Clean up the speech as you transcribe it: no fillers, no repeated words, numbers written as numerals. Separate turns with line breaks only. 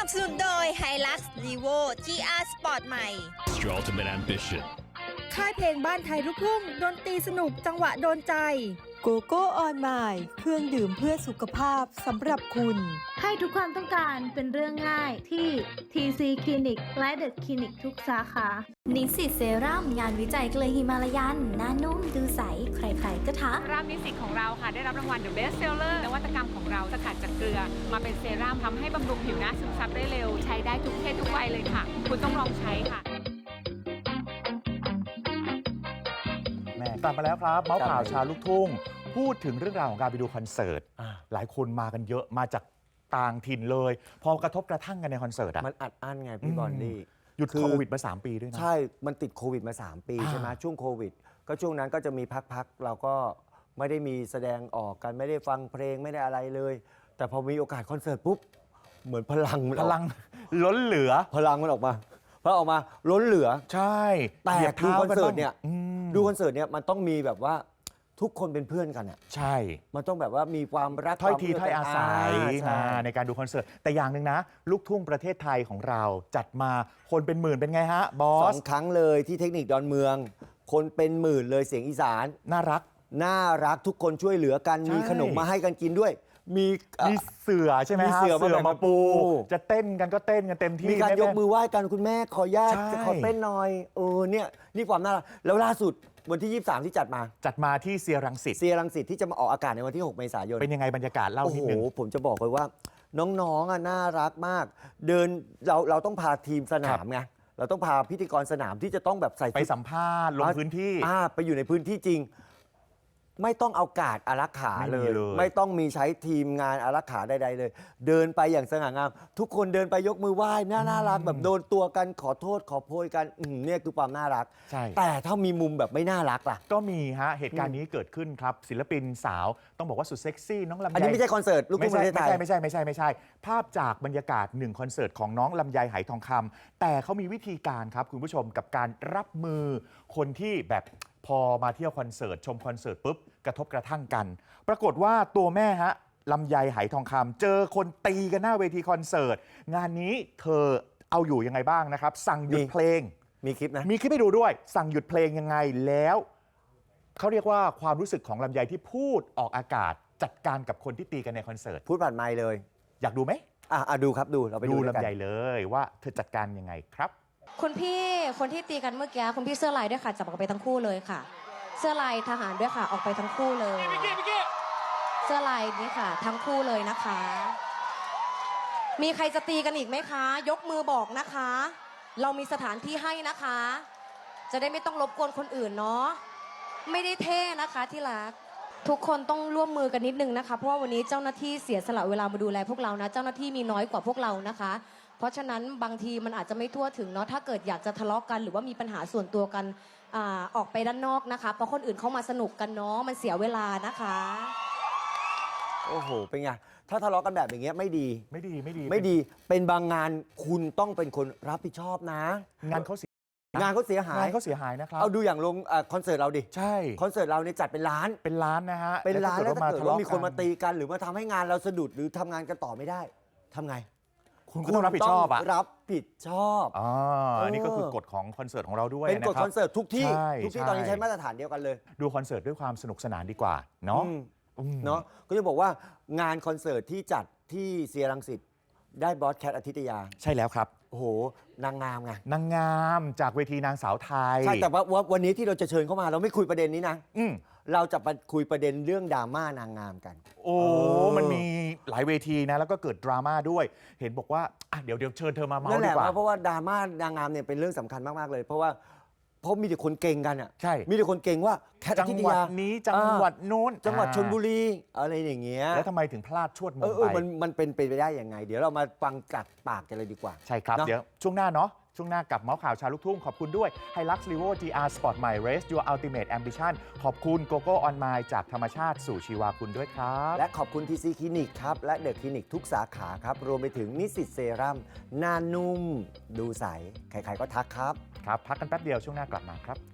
นับสนุนโดย Hilux Levo GR Sport ใหม่
It's your ultimate ambition.
ค่ายเพลงบ้านไทยลูกทุ่งดนตรีสนุกจังหวะโดนใจโกโก้ออนไมล์เครื่องดื่มเพื่อสุขภาพสำหรับคุณ
ให้ทุกความต้องการเป็นเรื่องง่ายที่ TC Clinic และ The Clinic ทุกสาขา
นิสสิตเซรั่มงานวิจัยเกลือฮิมาลายันหน้านุ่มดูใสใครๆก็ทัก
เซรั่มนิสสิตของเราค่ะได้รับรางวัล The Best Seller นวัตกรรมของเราสกัดจากเกลือมาเป็นเซรั่มทำให้บำรุงผิวหน้าซึมซับได้เร็วใช้ได้ทุกเพศทุกวัยเลยค่ะ คุณต้องลองใช้ค่ะ
กลับมาแล้วครับเมาส์ข่าวชาวลูกทุ่งพูดถึงเรื่องราวของการไปดูคอนเสิร์ตหลายคนมากันเยอะมาจากต่างถิ่นเลย พอกระทบกระทั่งกันในคอนเสิร์ตอ่ะ
มันอัดอั้นไงพี่บอลลี่
หยุดโควิดมา3 ปีด้วยนะ
ใช่มันติดโควิดมา3 ปีใช่ไหมช่วงโควิดก็ช่วงนั้นก็จะมีพักเราก็ไม่ได้มีแสดงออกกันไม่ได้ฟังเพลงไม่ได้อะไรเลย แต่พอมีโอกาสคอนเสิร์ตปุ๊บเหมือนพลัง
ล้นเหลือ
พลังมันออกมาพอออกมาล้นเหลือ
ใช่
แต่ดูคอนเสิร์ตเนี่ยดูคอนเสิร์ตเนี่ยมันต้องมีแบบว่าทุกคนเป็นเพื่อนกันอ่ะ
ใช่
มันต้องแบบว่ามีความรัก
ถ้อยทีถ้อยอาศัยในการดูคอนเสิร์ตแต่อย่างหนึ่งนะลูกทุ่งประเทศไทยของเราจัดมาคนเป็นหมื่นเป็นไงฮะบอส
2 ครั้งเลยที่เทคนิคดอนเมืองคนเป็นหมื่นเลยเสียงอีสาน
น่ารัก
ทุกคนช่วยเหลือกันมีขนมมาให้กันกินด้วยมี
เสือใช่ไหมฮะเสือมาปูจะเต้นกันก็เต้นกันเต็มที่
มีการยกมือไหว้กันคุณแม่ขอญาตจะขอเต้นหน่อยเนี่ยนี่ความน่ารักแล้วล่าสุดวันที่23ที่จัดมา
ที่เซียรังสิต
ที่จะมาออกอากาศในวันที่6 เมษายน
เป็นยังไงบรรยากาศเล่านิดนึง
ผมจะบอกเลยว่าน้องๆน่ารักมากเดินเราต้องพาทีมสนามไงเราต้องพาพิธีกรสนามที่จะต้องแบบใส่
ไปสัมภาษณ์ลงพื้นที่
ไปอยู่ในพื้นที่จริงไม่ต้องเอาการ์ดอารักขาเลยไม่ต้องมีใช้ทีมงานอารักขาใดๆเลยเดินไปอย่างสง่างามทุกคนเดินไปยกมือไหว้น่ารักแบบโดนตัวกันขอโทษขอโพยกันเนี่ยคือความน่ารักแต่ถ้ามีมุมแบบไม่น่ารักล่ะ
ก็มีฮะเหตุการณ์นี้เกิดขึ้นครับศิลปินสาวต้องบอกว่าสุดเซ็กซี่น้องลำไย
อันนี้ไม่ใช่คอนเสิร์ตลูกทุ่งประเทศไทย
ไม่ใช่ภาพจากบรรยากาศ1 คอนเสิร์ตของน้องลำไยไหทองคำแต่เขามีวิธีการครับคุณผู้ชมกับการรับมือคนที่แบบพอมาเที่ยวคอนเสิร์ตชมคอนเสิร์ตปุ๊บกระทบกระทั่งกันปรากฏว่าตัวแม่ฮะลำไยไหทองคำเจอคนตีกันหน้าเวทีคอนเสิร์ตงานนี้เธอเอาอยู่ยังไงบ้างนะครับสั่งหยุดเพลง
มีคลิปนะ
มีคลิปให้ดูด้วยสั่งหยุดเพลงยังไงแล้วเขาเรียกว่าความรู้สึกของลำไยที่พูดออกอากาศจัดการกับคนที่ตีกันในคอนเสิร์ต
พูดผ่านไมค์เลย
อยากดูไหม
ดูครับดูเราไปดู
ลำไยเลยว่าเธอจัดการยังไงครับ
คุณพี่คนที่ตีกันเมื่อกี้คุณพี่เสื้อลายด้วยค่ะจับออกไปทั้งคู่เลยค่ะเสื้อลายทหารด้วยค่ะออกไปทั้งคู่เลยเสื้อลายนี้ค่ะทั้งคู่เลยนะคะมีใครจะตีกันอีกไหมคะยกมือบอกนะคะเรามีสถานที่ให้นะคะจะได้ไม่ต้องรบกวนคนอื่นเนาะไม่ได้เท่นะคะที่รักทุกคนต้องร่วมมือกันนิดนึงนะคะเพราะว่าวันนี้เจ้าหน้าที่เสียสละเวลามาดูแลพวกเรานะเจ้าหน้าที่มีน้อยกว่าพวกเรานะคะเพราะฉะนั้นบางทีมันอาจจะไม่ทั่วถึงเนาะถ้าเกิดอยากจะทะเลาะกันหรือว่ามีปัญหาส่วนตัวกันออกไปด้านนอกนะคะเพราะคนอื่นเข้ามาสนุกกันเนาะมันเสียเวลานะคะ
โอ้โหเป็นไงถ้าทะเลาะกันแบบอย่างเงี้ยไม่ดีเป็นบางงานคุณต้องเป็นคนรับผิดชอบนะ
งานเขาเสียหายนะครับ
เอาดูอย่างลงคอนเสิร์ตเราดิ
ใช่
คอนเสิร์ตเราเนี่ยจัดเป็นล้าน
นะฮะ
เป็นล้านแล้วถ้าเกิดว่ามีคนมาตีกันหรือมาทำให้งานเราสะดุดหรือทำงานกันต่อไม่ได้ทำไง
คุณก็ต้องรับผิดชอบ
รับผิดชอบ
อันนี้ก็คือกฎของคอนเสิร์ตของเราด้วย
เป็นกฎคอนเสิร์ตทุกที่ตอนนี้ใช้มาตรฐานเดียวกันเลย
ดูคอนเสิร์ตด้วยความสนุกสนานดีกว่าเนาะ
ก็จะบอกว่างานคอนเสิร์ตที่จัดที่เซียรังสิตได้บอสแคทอาทิตยา
ใช่แล้วครับ
โอ้โหนางงามไง
นางงามจากเวทีนางสาวไทย
ใช่แต่ว่าวันนี้ที่เราจะเชิญเข้ามาเราไม่คุยประเด็นนี้นะเราจะไปคุยประเด็นเรื่องดราม่านางงามกัน
มันมีหลายเวทีนะแล้วก็เกิดดราม่าด้วยเห็นบอกว่าเดี๋ยวเชิญเธอมาเมาส์ดีกว่า
เพราะว่าดราม่านางงามเนี่ยเป็นเรื่องสำคัญมากๆเลยเพราะมีแต่คนเก่งกันอ่ะ
ใช่
มีแต่คนเก่งว่าแคทอาทิตยา
จังหวัดนี้จังหวัดโน้น
จังหวัดชลบุรีอะไรอย่างเงี้ย
แล้วทำไมถึงพลาดชวดมงไป
มันเป็นไปได้ยังไงเดี๋ยวเรามาฟังจากปากกันเลยดีกว่า
ใช่ครับเดี๋ยวช่วงหน้าเนาะช่วงหน้ากับเมาส์ข่าวชาวลูกทุ่งขอบคุณด้วย Hilux Levo GR Sport ใหม่ Race Your Ultimate Ambition ขอบคุณ GoGo On My จากธรรมชาติสู่ชีวาคุณด้วยครับ
และขอบคุณ TC Clinic ครับและ The Clinic ทุกสาขาครับรวมไปถึงนิสสิตเซรั่มหน้านุ่มดูใสใครๆก็ทักครับ
พักกันแป๊บเดียวช่วงหน้ากลับมาครับ